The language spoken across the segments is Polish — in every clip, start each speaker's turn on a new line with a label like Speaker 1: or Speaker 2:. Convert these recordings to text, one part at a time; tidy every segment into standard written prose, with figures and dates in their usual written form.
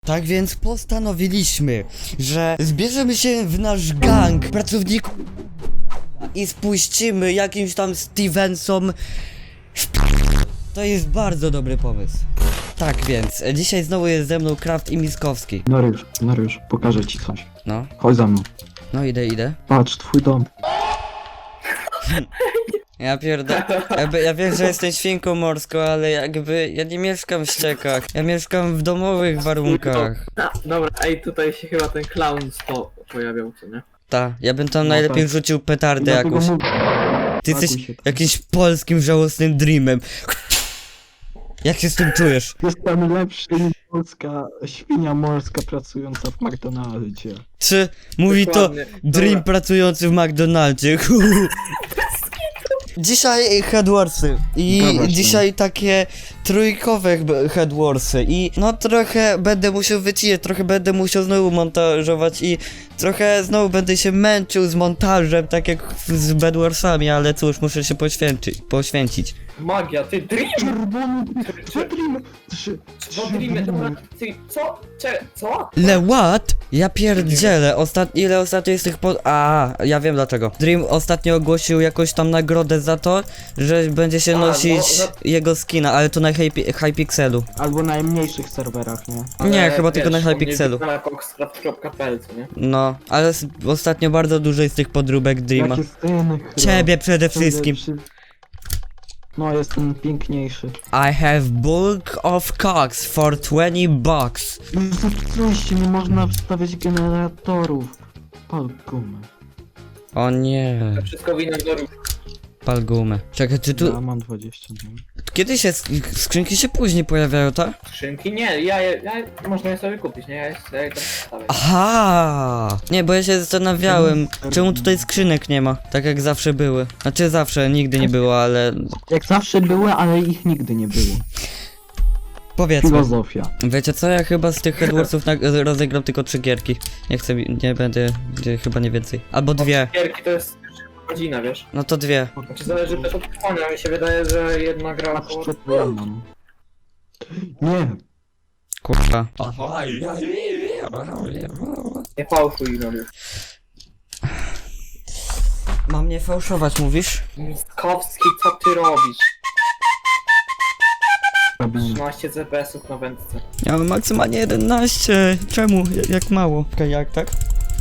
Speaker 1: Tak więc postanowiliśmy, że zbierzemy się w nasz gang pracowników i spuścimy jakimś tam Stevensom. To jest bardzo dobry pomysł. Tak więc, dzisiaj znowu jest ze mną Kraft i Miskowski.
Speaker 2: Mariusz, pokażę ci coś.
Speaker 1: No,
Speaker 2: Chodź za mną.
Speaker 1: no idę.
Speaker 2: Patrz, twój dom.
Speaker 1: Ja ja wiem, że jestem świnką morską, ale jakby ja nie mieszkam w ściekach. Ja mieszkam w domowych warunkach.
Speaker 3: Dobra, ej, tutaj się chyba ten clown pojawiał, co nie?
Speaker 1: Ta, ja bym tam
Speaker 2: No
Speaker 1: najlepiej
Speaker 2: tak.
Speaker 1: rzucił petardę
Speaker 2: Dlatego
Speaker 1: jakąś.
Speaker 2: mówię,
Speaker 1: Ty
Speaker 2: pakuj
Speaker 1: jesteś
Speaker 2: się.
Speaker 1: jakimś polskim żałosnym dreamem. Jak się z tym czujesz?
Speaker 2: Jestem lepszy niż polska świnia morska pracująca w McDonaldzie.
Speaker 1: Czy mówi to
Speaker 3: Dokładnie.
Speaker 1: dream
Speaker 3: Dobra.
Speaker 1: pracujący w McDonaldzie? Dzisiaj Headwarsy i
Speaker 2: Dobra,
Speaker 1: dzisiaj takie trójkowe Headwarsy i no trochę będę musiał wycinać, trochę będę musiał znowu montażować i trochę znowu będę się męczył z montażem, tak jak z Bedwarsami, ale cóż, muszę się poświęcić.
Speaker 3: Magia, ty dream!
Speaker 2: Czerwony Dream!
Speaker 3: Co dreamie, dobra, ty, co? Co?
Speaker 1: What? Ja pierdzielę, ile ostatnio jest tych ja wiem dlaczego. Dream ostatnio ogłosił jakąś tam nagrodę za to, że będzie się nosić jego skina, ale to na Hypixelu.
Speaker 2: Albo na najmniejszych serwerach, nie?
Speaker 1: Nie, chyba tylko na Hypixelu.
Speaker 3: Na coxcraft.pl, co nie?
Speaker 1: No, ale ostatnio bardzo dużo jest tych podróbek Dreama.
Speaker 2: Jakie sceny,
Speaker 1: Ciebie przede wszystkim.
Speaker 2: No, jestem piękniejszy.
Speaker 1: I have bulk of cocks for 20 bucks.
Speaker 2: Oczywiście, nie można wstawiać generatorów. Pal gumę.
Speaker 1: O nie,
Speaker 3: To wszystko wina do
Speaker 1: pal gumę. Czekaj, czy tu...
Speaker 2: Ja mam 20. No.
Speaker 1: Kiedy się skrzynki się później pojawiają, tak?
Speaker 3: skrzynki. Nie, można je sobie kupić, nie? Ja je tam wstawię.
Speaker 1: Aha! Nie, bo ja się zastanawiałem, czemu tutaj skrzynek nie ma, tak jak zawsze były. Znaczy zawsze, nigdy nie było, ale
Speaker 2: Jak zawsze były, ale ich nigdy nie było.
Speaker 1: powiedzmy.
Speaker 2: Filozofia.
Speaker 1: Wiecie co, ja chyba z tych Headwarsów rozegram tylko 3 gierki. Nie chcę, nie będę, chyba nie więcej. Albo 2.
Speaker 3: Gierki to jest godzina, wiesz?
Speaker 1: No to 2.
Speaker 3: Znaczy zależy też od trwania, mi się wydaje, że jedna gra około...
Speaker 2: Patrzcie, co ja mam. Nie,
Speaker 1: Kurwa.
Speaker 3: Nie fałszuj, no już.
Speaker 1: Mam nie fałszować, mówisz?
Speaker 3: Miskowski, co ty robisz?
Speaker 2: robię.
Speaker 3: 13 CPS-ów na wędce.
Speaker 1: Ja mam maksymalnie 11. Czemu? Jak mało? Okej, jak tak?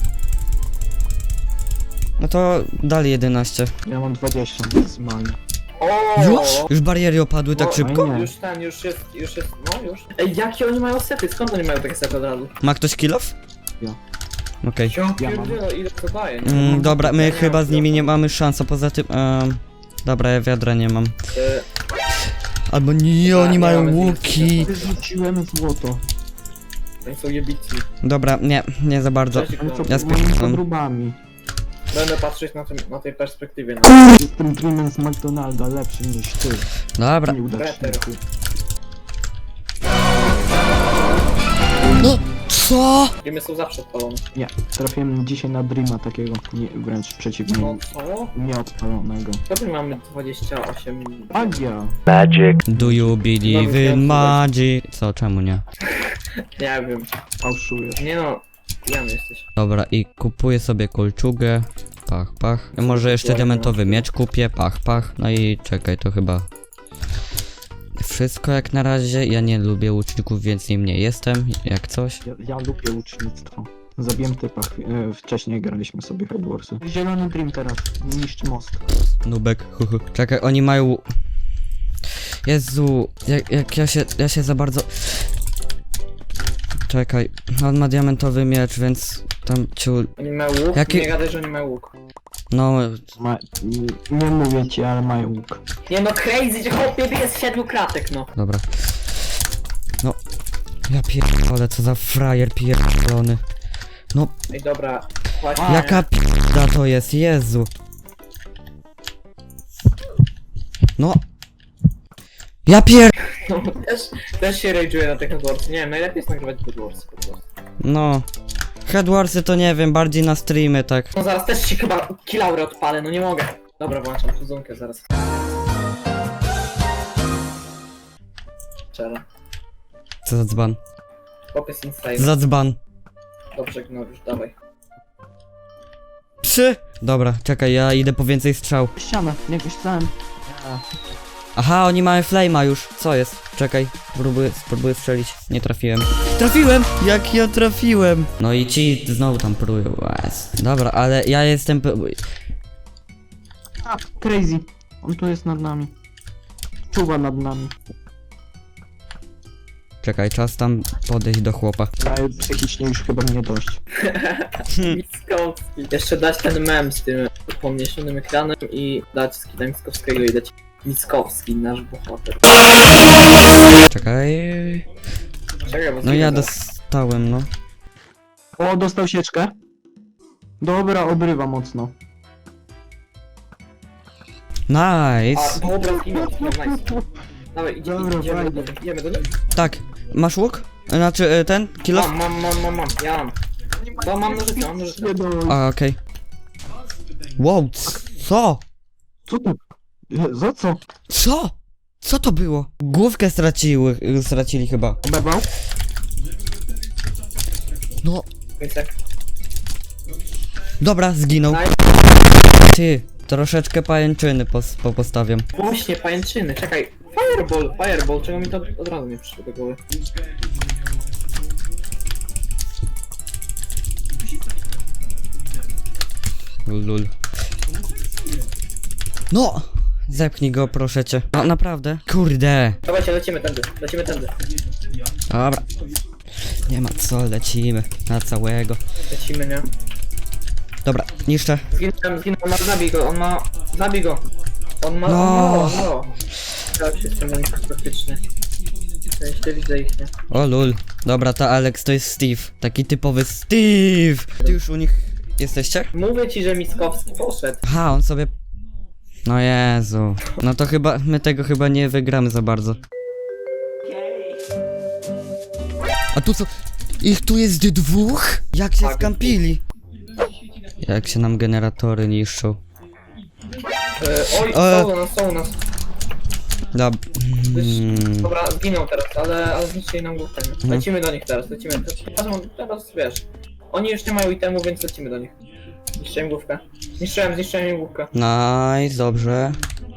Speaker 1: No to dalej 11.
Speaker 2: Ja mam 20 maksymalnie.
Speaker 3: O!
Speaker 1: Już? Już bariery opadły tak
Speaker 3: No,
Speaker 1: szybko?
Speaker 2: nie.
Speaker 3: Już jest, no już. Ej, jakie oni mają sety? Skąd oni mają takie sety od razu?
Speaker 1: Ma ktoś kill off?
Speaker 2: Ja.
Speaker 1: Okej.
Speaker 3: Ja
Speaker 2: mam.
Speaker 3: pierdzielę, ile to daje, nie?
Speaker 1: Dobra, my
Speaker 3: Ja nie
Speaker 1: chyba
Speaker 3: mam
Speaker 1: z nimi nie mamy szans, a poza tym... dobra, ja wiadra nie mam. Albo nie,
Speaker 3: Tak,
Speaker 1: oni
Speaker 3: nie
Speaker 1: mają
Speaker 3: mamy
Speaker 1: łuki.
Speaker 2: Wyrzuciłem złoto.
Speaker 3: Oni są jebici.
Speaker 1: Dobra, nie za bardzo.
Speaker 3: Cześć,
Speaker 2: Ale co
Speaker 1: Ja
Speaker 2: moimi
Speaker 1: spytam.
Speaker 2: podróbami.
Speaker 3: Będę patrzeć na tej perspektywie. No.
Speaker 2: Jestem Dreamem z McDonalda, lepszy niż ty.
Speaker 1: Dobra.
Speaker 2: Nieudaczniku.
Speaker 1: No, co?
Speaker 3: Filmy są zawsze odpalone.
Speaker 2: Nie, trafiłem dzisiaj na Dreama takiego, nie, wręcz przeciwnie,
Speaker 3: No co?
Speaker 2: nieodpalonego.
Speaker 3: Dobry mamy 28...
Speaker 2: Magia!
Speaker 1: Do you believe in magic? Co, czemu nie?
Speaker 3: Nie wiem.
Speaker 2: Fałszujesz.
Speaker 3: Nie no, pijany jesteś.
Speaker 1: Dobra, i kupuję sobie kolczugę. Pach, pach. Może jeszcze diamentowy miecz kupię. Pach, pach. No i czekaj, to chyba... Wszystko jak na razie. Ja nie lubię łuczników, więc nim nie jestem. Jak coś.
Speaker 2: Ja lubię ucznictwo. Zabiłem typa, wcześniej graliśmy sobie Headwarsy. Zielony Dream teraz, niszczy most.
Speaker 1: Nubek. Czekaj, oni mają... Jezu, jak ja się za bardzo... Czekaj, on ma diamentowy miecz, więc tam ciul...
Speaker 3: Oni mają łuk?
Speaker 1: Jaki-
Speaker 3: Nie gadaj, że oni mają łuk.
Speaker 1: No,
Speaker 2: Nie mówię ci, ale mają łuk.
Speaker 3: Nie no, crazy, chłopie, jest 7 kratek, no.
Speaker 1: dobra. No, ja pierdolę, co za frajer pierdolony. No,
Speaker 3: Ej, dobra. Właśnie.
Speaker 1: jaka p***da to jest, Jezu. No. Ja pier...
Speaker 3: No, też się rage'uje na tych Headwarsy. Nie wiem, najlepiej jest nagrywać Headwarsy po prostu.
Speaker 1: No. Headwarsy to nie wiem, bardziej na streamy, tak.
Speaker 3: No zaraz też się chyba kilaurę odpalę, no nie mogę. Dobra, włączam kuzunkę zaraz. Czela.
Speaker 1: Co za dzban.
Speaker 3: Chłop jest insane.
Speaker 1: Zadzban.
Speaker 3: Dobrze, Gnoriusz, dawaj.
Speaker 1: 3. Dobra, czekaj, ja idę po więcej strzał.
Speaker 2: Ścianę, jakoś tam.
Speaker 1: Aha, oni mają flame'a już. Co jest? Czekaj, spróbuję strzelić. Nie trafiłem. Trafiłem! Jak ja trafiłem! No i ci znowu tam próbują. Dobra, ale ja jestem...
Speaker 2: A, crazy. On tu jest nad nami. Czuwa nad nami.
Speaker 1: Czekaj, czas tam podejść do chłopa.
Speaker 2: Ale psychicznie już chyba mnie dość.
Speaker 3: Mickowski. Jeszcze dać ten mem z tym pomniejszonym ekranem i dać skina Mickowskiego i dać Mickowski, nasz bohater.
Speaker 1: Czekaj...
Speaker 3: Czekaj, bo
Speaker 1: No ja
Speaker 3: zginę.
Speaker 1: dostałem, no.
Speaker 2: O, dostał sieczkę. Dobra, obrywa mocno.
Speaker 3: A,
Speaker 1: Nice!
Speaker 3: dobra, zginął, nice. Dawaj,
Speaker 2: Dobra, fajnie.
Speaker 3: idziemy do nich.
Speaker 1: Tak, masz łuk? Znaczy, ten? Kilo?
Speaker 3: Mam, ja mam. To mam nożyce, mam nożyce.
Speaker 2: Nie dość.
Speaker 1: A, okej. Wow, co?
Speaker 2: Co to? Za co?
Speaker 1: Co? Co to było? Główkę stracili chyba.
Speaker 2: Oberwał?
Speaker 1: No,
Speaker 3: Więc tak.
Speaker 1: dobra, zginął.
Speaker 3: Nice.
Speaker 1: Ty, troszeczkę pajęczyny postawiam.
Speaker 3: Właśnie, pajęczyny, czekaj. Fireball, czego mi to od razu nie przyszło do głowy.
Speaker 1: Lul. No! Zepchnij go, proszę cię. No, naprawdę? Kurde.
Speaker 3: Dawajcie, lecimy tędy.
Speaker 1: Dobra. Nie ma co, lecimy. Na całego.
Speaker 3: Lecimy, nie?
Speaker 1: Dobra, niszczę.
Speaker 3: Zginął, on ma, zabij go, zabij go. On ma,
Speaker 1: No.
Speaker 3: no. Tak się jestem praktycznie. Ja jeszcze widzę ich, nie?
Speaker 1: O lul. Dobra, ta Alex to jest Steve. Taki typowy Steve. Ty już u nich jesteście?
Speaker 3: Mówię ci, że Mickowski poszedł.
Speaker 1: Aha, on sobie... No Jezu. No to chyba, my tego chyba nie wygramy za bardzo. A tu co? Ich tu jest 2? Jak się
Speaker 3: Tak.
Speaker 1: skampili? Jak się nam generatory niszczą.
Speaker 3: Oj, są u nas. Dobra, zginął teraz, ale zniszczyli nam główkę. Nie? Lecimy do nich teraz, lecimy. Teraz wiesz. Oni już nie mają itemu, więc lecimy do nich. Zniszczyłem główkę. Zniszczyłem im główkę.
Speaker 1: Nice, dobrze.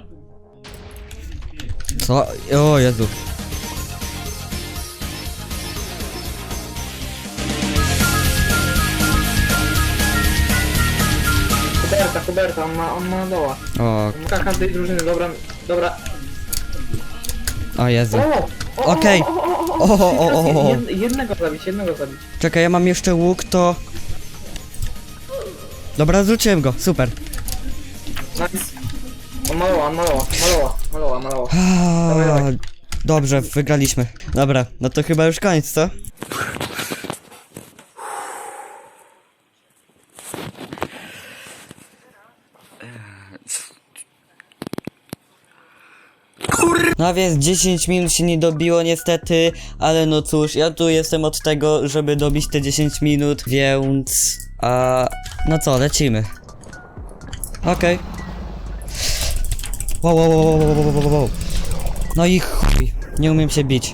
Speaker 1: Co? O Jezu.
Speaker 3: Huberta, on ma doła.
Speaker 1: O,
Speaker 3: Każdej drużyny, dobra.
Speaker 1: o Jezu.
Speaker 3: O,
Speaker 1: Okej. O.
Speaker 3: Jednego zabić.
Speaker 1: Czekaj, ja mam jeszcze łuk, to... Dobra, zrzuciłem go, super.
Speaker 3: Nice. On maloła. Dawaj.
Speaker 1: Dobrze, wygraliśmy. Dobra, no to chyba już koniec, co? No więc 10 minut się nie dobiło niestety, ale no cóż, ja tu jestem od tego, żeby dobić te 10 minut, więc... no co, lecimy. Okej. Wow. No i chuj, nie umiem się bić.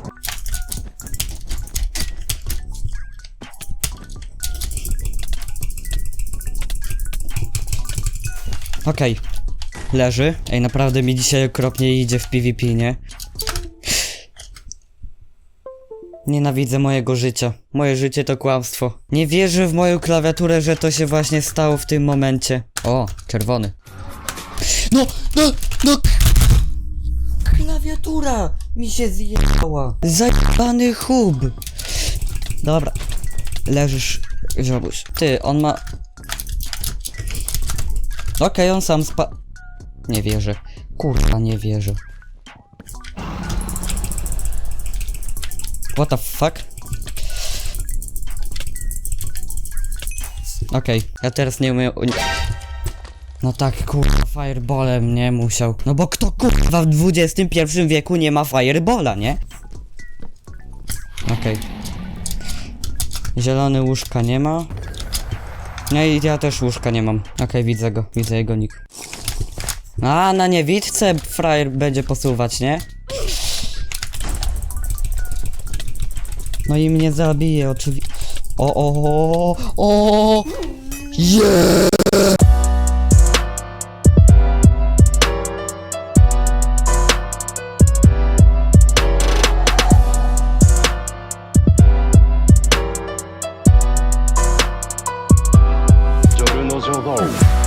Speaker 1: Okej. Leży. Ej, naprawdę mi dzisiaj okropnie idzie w PvP, nie? Nienawidzę mojego życia. Moje życie to kłamstwo. Nie wierzę w moją klawiaturę, że to się właśnie stało w tym momencie. O, czerwony. No! Klawiatura mi się zjebała. Zajebany hub. Dobra. Leżysz, ziobuś. Ty, on ma... Okej, on sam Nie wierzę. Kurwa, nie wierzę. What the fuck? Okej, ja teraz nie umiem... No tak, kurwa, fireballem nie musiał. No bo kto kurwa w XXI wieku nie ma fireballa, nie? Okej. Zielony łóżka nie ma. No i ja też łóżka nie mam. Okej, widzę go, widzę jego nick. A, na niewidce frajer będzie posuwać, nie? No i mnie zabije oczywiście. O! Yeah!
Speaker 4: Joru no Jogo.